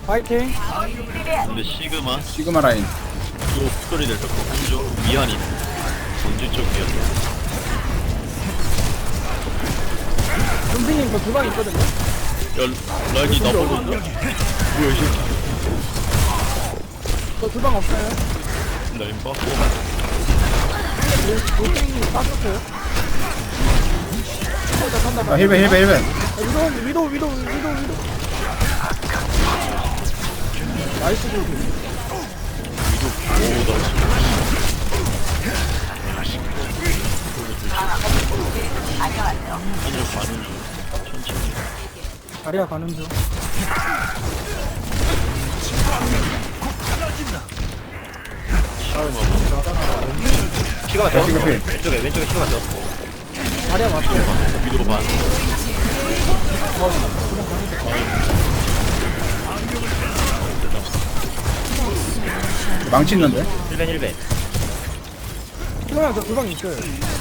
파이팅. 근데 시그마 라인. 또 스토리를 듣고 한쪽 미안이 전주 쪽 미안. 은빈님 저 주방 있거든요. 야 라인이 나보고 있나? 뭐야 이 새끼. 저 주방 없어요. 라인 봐. 노땡이 빠졌어요. 아, 힐벤. 위도. 나이스 골. 오 나이스. 한쪽 가는 중. 천천히. 자리야 가는 중. 시간 맞죠? 시그마 필. 왼쪽에 시간 맞죠? 자리야 맞죠. 위로 반. 망치 있는데? 1벤 그냥 저 주방 있어요.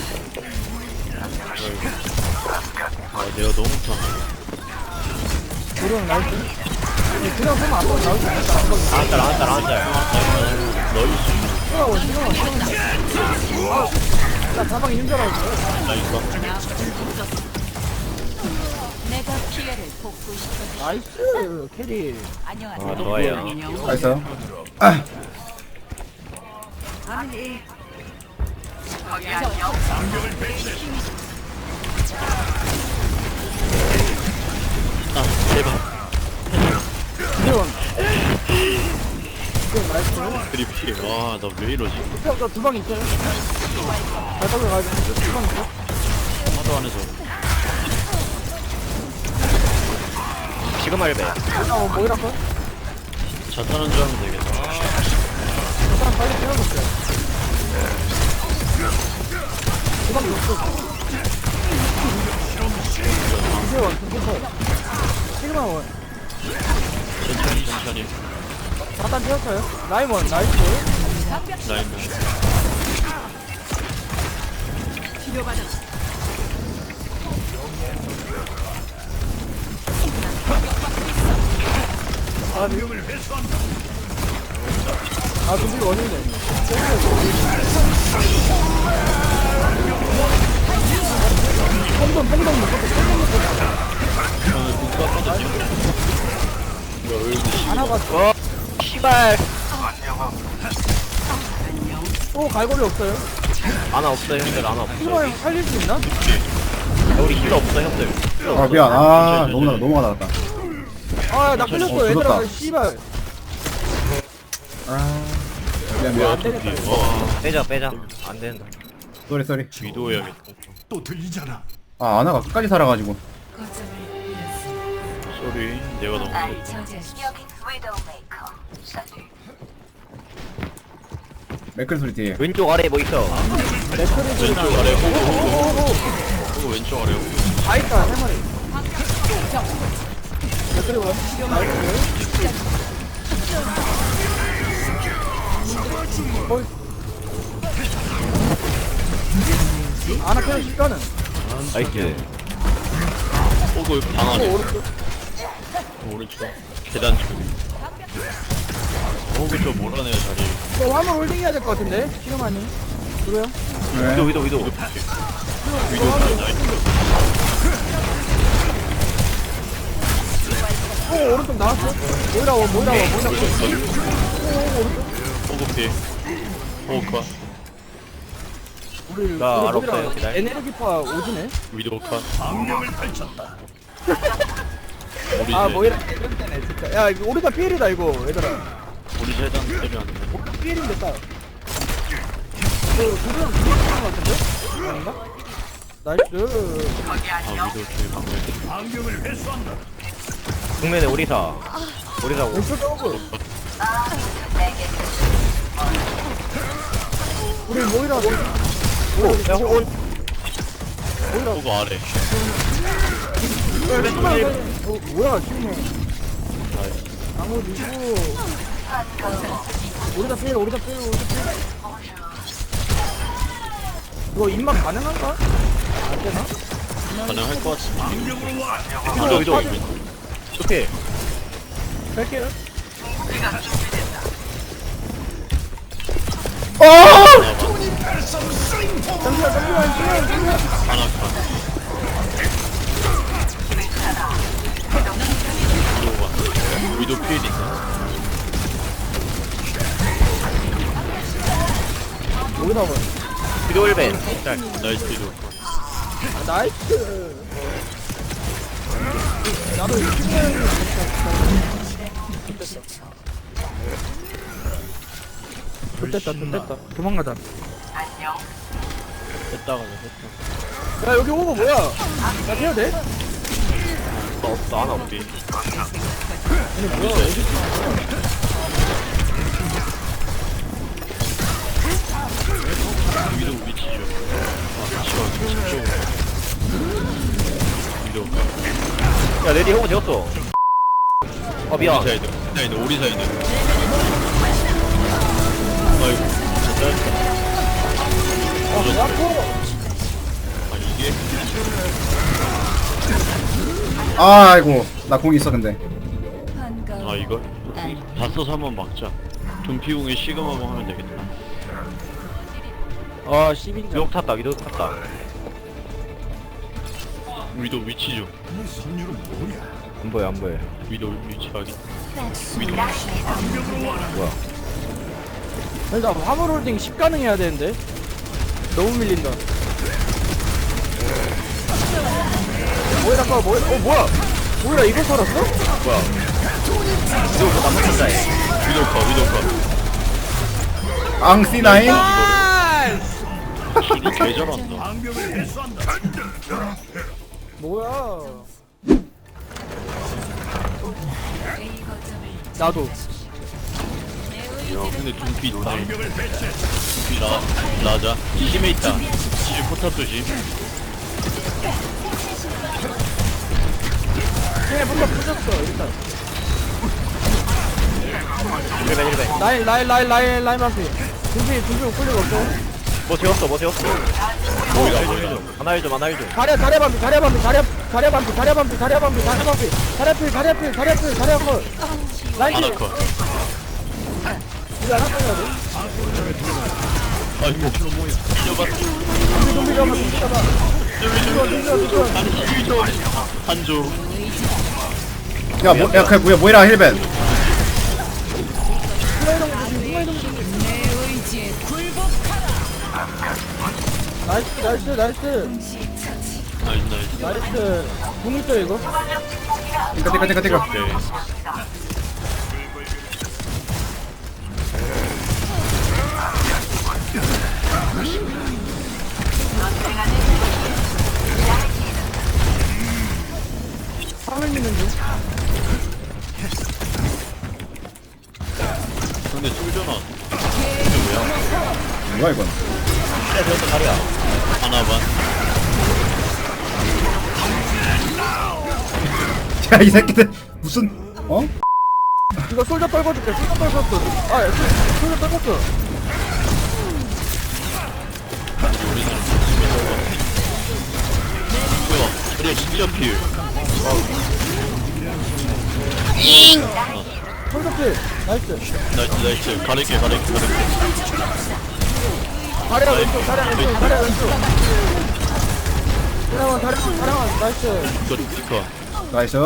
아 내가 너무 타. 그냥 나이스. 그냥 보면 앞으로 나올 수 있다. 나왔다 너이스. 나 자방 있는 줄 알았어. 라인 봐. 내가 피해를 복구시켜. 나이스 캐리. 안녕하세요. 아 좋아요 나이스. 아, 아 제발. 이건 나이스. 드리피. 와나 왜 이러지? 저 주방 있어요. 잘 가져가야 돼. 주방 있어. 하도 안에서. 시그마 1벤 뭐이라 거? 자타는 줄 알면 되겠다. 저 사람 빨리 때려줬어요. 주방 없어. 이제 원, 시그마 원. 천천히. 잠깐 뛰었어요. 라인 원, 나이스. 라인 봐. 아, 근데 원인데. 뽕돈 먹었어. 저는 국 쐈거든요. 뭐야 왜 이러지? 안 와봤어. 시발 또 갈고리 없어요. 아나 없어 형들 아나 없어 시그마 형 살릴 수 있나? 우리 힐러 없어 형들 힐러 아 없어. 미안. 아 너무 나갔다. 아, 나 끌렸어. 얘들아, 죽었다. 씨발. 아, 미안. 안 되겠다. 와 빼자 안 된다 쏘리. 위도 해야겠다. 아, 아나가 끝까지 살아가지고. 쏘리 내가 너무 맥클 소리 뒤에. 왼쪽 아래 뭐 있어 왼쪽 아래 호구 왼쪽 아래 호구. 다 있다, 세 마리. 그리고 아나 캐릭 시가는 나이스 호구 방 안에 오른쪽 계단 쪽. 호구 저 몰아내요 자리. 저 화물 홀딩 해야 될 것 같은데 시그마님 그래요? 네. 위도 위도 오 오른쪽 나왔어. 모이라 호구 피. 호구 컷. 우리 나 우리 알 없어요, 모이라 기다려. 에네르기파 오지네. 위도 컷. 우리 아 제 모이라 이런 때네 진짜. 야 이거 우리가 피일이다 이거 얘들아. 우리 재단 때렸는데. 우리가 피일인데 따. 그 두명 죽었던 것 같은데? 아닌가? 나이스. 아 위도 뒤에 방금. 국면에 오리사 왼쪽에 오고. 우리 모이라 야 호온 호구 아래. 뭐야 지금 아무도 있고 우리다 빼 이거 입맛 가능한가? 안 되나? 가능할 것 같은데. 위도 위도. 좋게 뺄게요 어! 하나 컷. 위도 필인가? 여기 나와. 위도 1벤. 나이스 위도. 나이스. 나도 이거 됐다 됐다 도망가자. 됐다 가자 됐다. 야 여기 오고 뭐야? 나 해야 돼? 나 없다 하나 없디. 얘네 뭐야? 어디 위도 위치죠. 위치가 집중. 위도. 야, 내디 형은 되었어. 미안. 우리 사이드. 사이드 우리 사이드. 아이고. 됐다. 뭐야? 아니 이게 아이고 나 공 있어 근데. 반가워. 아 이걸 다 써서 한번 막자. 돈피웅에 시그마봉 하면 되겠다. 아 10인자. 위도 탔다, 위도 탔다. 위도 위치죠. 안 보여, 안 보여. 위도 위치 확인. 위도. 뭐야. 일단 화물 홀딩 10 가능해야 되는데 너무 밀린다. 뭐야 잠깐 뭐야 뭐야 이거 살았어? 뭐야. 위도 나무 탄다, 해. 위도 컷 위도 컷. 앙C9? 수리 개 잘한다. 뭐야? 나도. 야 근데 둠피 있다. 둠피 라자. 심해 있다. 지지 포탑 조심. 쟤네 뭔가 부셨어 일단. 1벤, 1벤. 라인 앞에. 준비 우클릭 없어. 뭐 재웠어, 뭐 재웠어. 하나 일 좀, 하나 일 좀. 다리야 반피. 다리야 컷. 라인 하나 킬. 컷. 이거 하나 꺼내야 돼. 아이고. 뛰어봤어. 좀비 잡아. 아니 힐 좀. 한조. 야 뭐, 야 그게 뭐야 힐벤. 내 의지에 굴복하라. 나이스. 나이스. 공 있어 이거? 띠까. 오케이. 화면 있는 중. 근데 쫄잖아. 뭐야 이건. 그래, 재웠어, 다리야. 하나 반. 야 이 새끼들 무슨 어? 이거 솔저 떨궈줄게. 솔저 떨궜어. 솔저 떨궜어. 뭐야? 그래 진짜 필. 솔저 필. 나이스. 나이스. 가릴게. 다리야 왼쪽. 다리야 나이스. 이거. 나이스.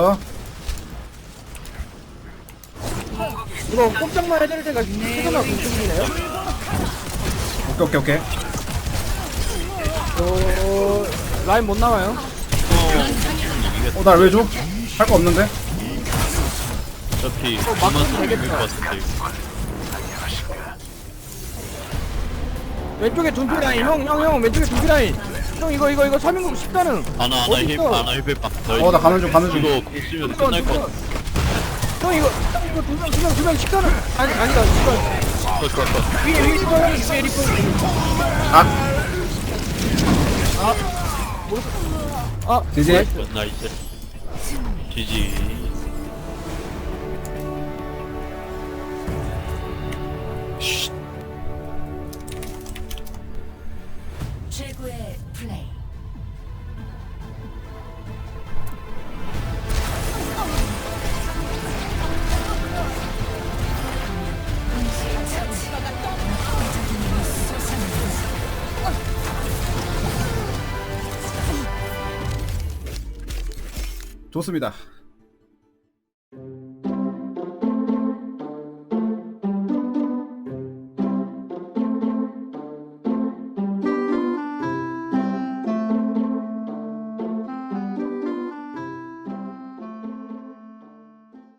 이거 꼼짝만 해드릴 때가 최선화 공중이네요. 오케이. 라인 못 나와요. 나 왜 줘? 할 거 없는데? 어차피 막으면 그만 쓰면 되겠다. 이길 것 같은데. 왼쪽에 둔피 라인. 형 왼쪽에 둔피 라인. 형 이거 3인국 10가능. 하나 힐백. 나 가는 중 이거 있으면 끝날 것 같아. 형 이거 두명 10가능. 아니다. 컷. 위에 리퍼. 지지. 나이스. 지지. 최고의 플레이. 좋습니다.